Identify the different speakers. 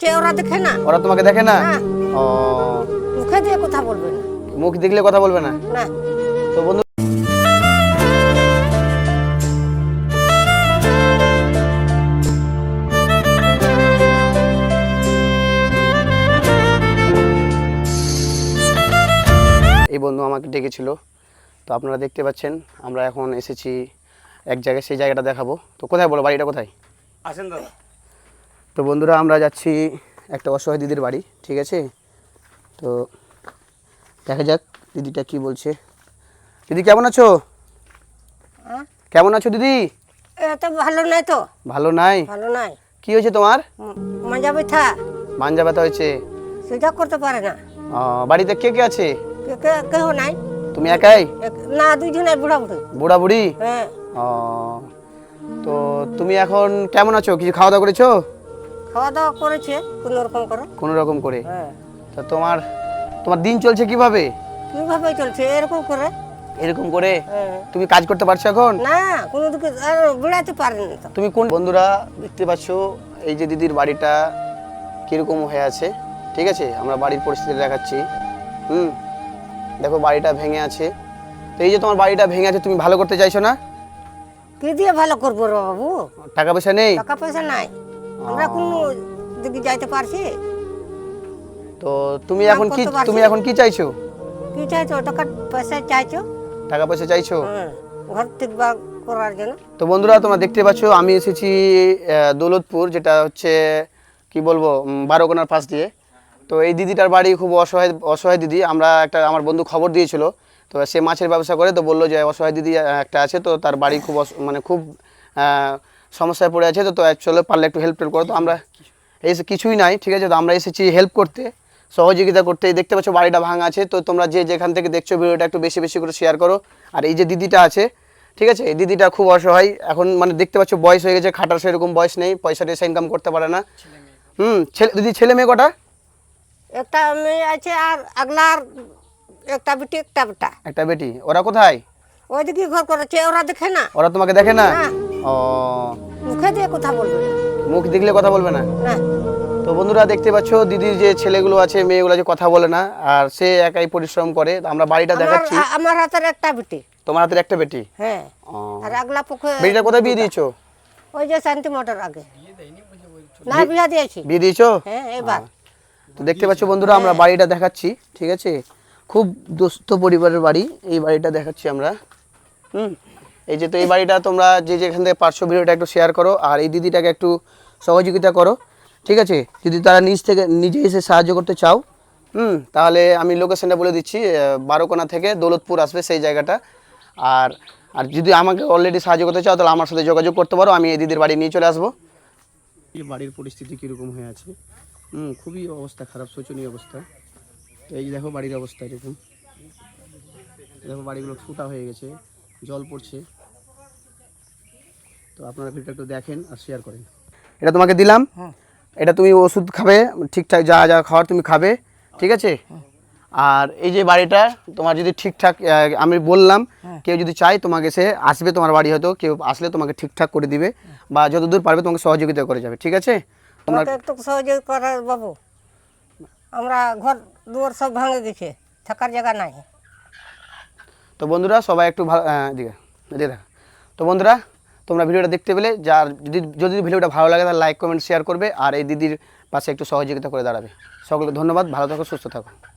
Speaker 1: করেছে ওরা দেখে না।
Speaker 2: ওরা তোমাকে দেখে না?
Speaker 1: না,
Speaker 2: ও,
Speaker 1: মুখে দিয়ে কথা বলবে না।
Speaker 2: মুখ দেখলে কথা বলবে না?
Speaker 1: না,
Speaker 2: তো বন্ধু এই বন্ধু আমাকে ডেকেছিল, তো আপনারা দেখতে পাচ্ছেন আমরা এখন এসেছি এক জায়গায়, সেই জায়গাটা দেখাবো। তো কোথায় বলো, বাড়িটা কোথায়?
Speaker 3: আসেন দাদা।
Speaker 2: তো বন্ধুরা আমরা যাচ্ছি একটা অসহায় দিদির বাড়ি, ঠিক আছে? তো দেখা যাক দিদিটা কি বলছে। দিদি কেমন আছো?
Speaker 1: হ্যাঁ?
Speaker 2: কেমন আছো দিদি?
Speaker 1: এত ভালো নাই তো।
Speaker 2: ভালো নাই?
Speaker 1: ভালো নাই।
Speaker 2: কি হয়েছে তোমার?
Speaker 1: মাজা ব্যথা,
Speaker 2: মাঞ্জা ব্যথা হয়েছে?
Speaker 1: সেটা করতে পারে না।
Speaker 2: বাড়িতে কে কে আছে?
Speaker 1: কেউ নাই।
Speaker 2: তুমি একাই?
Speaker 1: না, দুইজনের বুড়া বুড়ি।
Speaker 2: বুড়া বুড়ি?
Speaker 1: হ্যাঁ।
Speaker 2: ও, তো তুমি এখন কেমন আছো? কিছু খাওয়া দাওয়া করেছো?
Speaker 1: খাওয়া দাওয়া করেছে কোনো রকম করে।
Speaker 2: কোনো রকম করে?
Speaker 1: হ্যাঁ।
Speaker 2: তো তোমার তোমার দিন চলছে কিভাবে?
Speaker 1: কিভাবে চলছে এরকম করে?
Speaker 2: এরকম করে?
Speaker 1: হ্যাঁ।
Speaker 2: তুমি কাজ করতে পারছো এখন?
Speaker 1: না, কোনো দিকে বেড়াতে পারেনি তো।
Speaker 2: তুমি কোন বন্ধুরা দেখতে পাচ্ছ এই যে দিদির বাড়িটা কিরকম হয়ে আছে, ঠিক আছে? আমরা বাড়ির পরিস্থিতি দেখাচ্ছি। দেখো বাড়িটা ভেঙে আছে। তো এই যে তোমার বাড়িটা ভেঙে আছে, তুমি ভালো করতে চাইছো না?
Speaker 1: কি দিয়ে ভালো করবো রে বাবু?
Speaker 2: টাকা পয়সা নেই?
Speaker 1: টাকা পয়সা নাই, আমরা কোনো দিকে যাইতে পারছি?
Speaker 2: তো তুমি এখন কি, তুমি এখন কি চাইছো?
Speaker 1: কি চাইছো? টাকা পয়সা চাইছো?
Speaker 2: টাকা পয়সা চাইছো?
Speaker 1: হ্যাঁ, ঘর ঠিকভাবে করার জন্য।
Speaker 2: তো বন্ধুরা তোমরা দেখতে পাচ্ছ আমি এসেছি দৌলতপুর, যেটা হচ্ছে কি বলবো, বারোকোনার পাশ দিয়ে। তো এই দিদিটার বাড়ি খুব অসহায় অসহায় দিদি। আমরা একটা, আমার বন্ধু খবর দিয়েছিল, তো সে মাছের ব্যবসা করে, তো বললো যে অসহায় দিদি একটা আছে, তো তার বাড়ি খুব মানে খুব সমস্যায় পড়ে আছে, তো চলো পারলে একটু হেল্প করো। তো আমরা এসে কিছুই নাই, ঠিক আছে? তো আমরা এসেছি হেল্প করতে, সহযোগিতা করতে। দেখতে পাচ্ছ বাড়িটা ভাঙা আছে, তো তোমরা যে যেখান থেকে দেখছো ভিডিওটা একটু বেশি বেশি করে শেয়ার করো। আর এই যে দিদিটা আছে, ঠিক আছে, এই দিদিটা খুব অসহায় এখন, মানে দেখতে পাচ্ছ বয়স হয়ে গেছে, খাটার সেরকম বয়স নেই, পয়সা টয়সা ইনকাম করতে পারে না। দিদি ছেলে মেয়ে কটা?
Speaker 1: একটা মেয়ে আছে আর আগলার একটা বেটি একটা বেটা।
Speaker 2: একটা বেটি। ওরা কোথায়?
Speaker 1: ওইদিকে ঘর করেছে, ওরা দেখে না।
Speaker 2: ওরা তোমাকে দেখে না?
Speaker 1: না।
Speaker 2: ও,
Speaker 1: মুখে দিয়ে কথা বলবে না।
Speaker 2: মুখ দেখলে কথা বলবে না?
Speaker 1: না।
Speaker 2: তো বন্ধুরা দেখতে পাচ্ছ দিদির যে ছেলেগুলো আছে, মেয়েগুলো যে কথা বলে না, আর সে একাই পরিশ্রম করে। আমরা বাড়িটা দেখাচ্ছি।
Speaker 1: আমার হাতের একটা বেটি।
Speaker 2: তোমার হাতের একটা বেটি?
Speaker 1: হ্যাঁ। আর আগলা পুকুর।
Speaker 2: বেটিটা কোথায় বিয়ে দিয়েছো?
Speaker 1: ওই যে শান্তি মোটর আগে। না, বিয়ে দিয়েছি।
Speaker 2: বিয়ে দিয়েছো?
Speaker 1: হ্যাঁ, এবার।
Speaker 2: তো দেখতে পাচ্ছ বন্ধুরা আমরা বাড়িটা দেখাচ্ছি, ঠিক আছে? খুব দুস্থ পরিবারের বাড়ি, এই বাড়িটা দেখাচ্ছি আমরা। এই যে, তো এই বাড়িটা তোমরা যে যেখান থেকে পারছো ভিডিওটা একটু শেয়ার করো, আর এই দিদিটাকে একটু সহযোগিতা করো, ঠিক আছে? যদি তারা নিজে এসে সাহায্য করতে চাও, তাহলে আমি লোকেশনটা বলে দিচ্ছি, বারোকোনা থেকে দৌলতপুর আসবে সেই জায়গাটা। আর আর যদি আমাকে অলরেডি সাহায্য করতে চাও, তাহলে আমার সাথে যোগাযোগ করতে পারো, আমি এই দিদির বাড়ি নিয়ে চলে আসবো। এই বাড়ির পরিস্থিতি কীরকম হয়ে আছে, খুবই অবস্থা খারাপ, শোচনীয় অবস্থা। তো এই দেখো বাড়ির অবস্থা এরকম, দেখো বাড়িগুলো ফুটা হয়ে গেছে, জল পড়ছে। তো আপনারা ভিডিওটা একটু দেখেন আর শেয়ার করেন। এটা তোমাকে দিলাম, এটা তুমি ওষুধ খাবে, ঠিকঠাক যা যা খাওয়ার তুমি খাবে, ঠিক আছে? আর এই যে বাড়িটা তোমার যদি ঠিকঠাক, আমি বললাম কেউ যদি চায় তোমাকে সে আসবে তোমার বাড়ি, হয়তো কেউ আসলে তোমাকে ঠিকঠাক করে দিবে, বা যতদূর পারবে তোমাকে সহযোগিতা করে যাবে, ঠিক আছে?
Speaker 1: তোমরা একটু সহযোগ করার বাবু। আমরা ঘর দুয়ার সব ভাঙে গেছে, থাকার জায়গা নাই।
Speaker 2: তো বন্ধুরা সবাই একটু ভালো দেখা। তো বন্ধুরা তোমরা ভিডিওটা দেখতে পেলে, যার যদি ভিডিওটা ভালো লাগে তাহলে লাইক কমেন্ট শেয়ার করবে, আর এই দিদির পাশে একটু সহযোগিতা করে দাঁড়াবে। সকলকে ধন্যবাদ, ভালো থাকো, সুস্থ থাকো।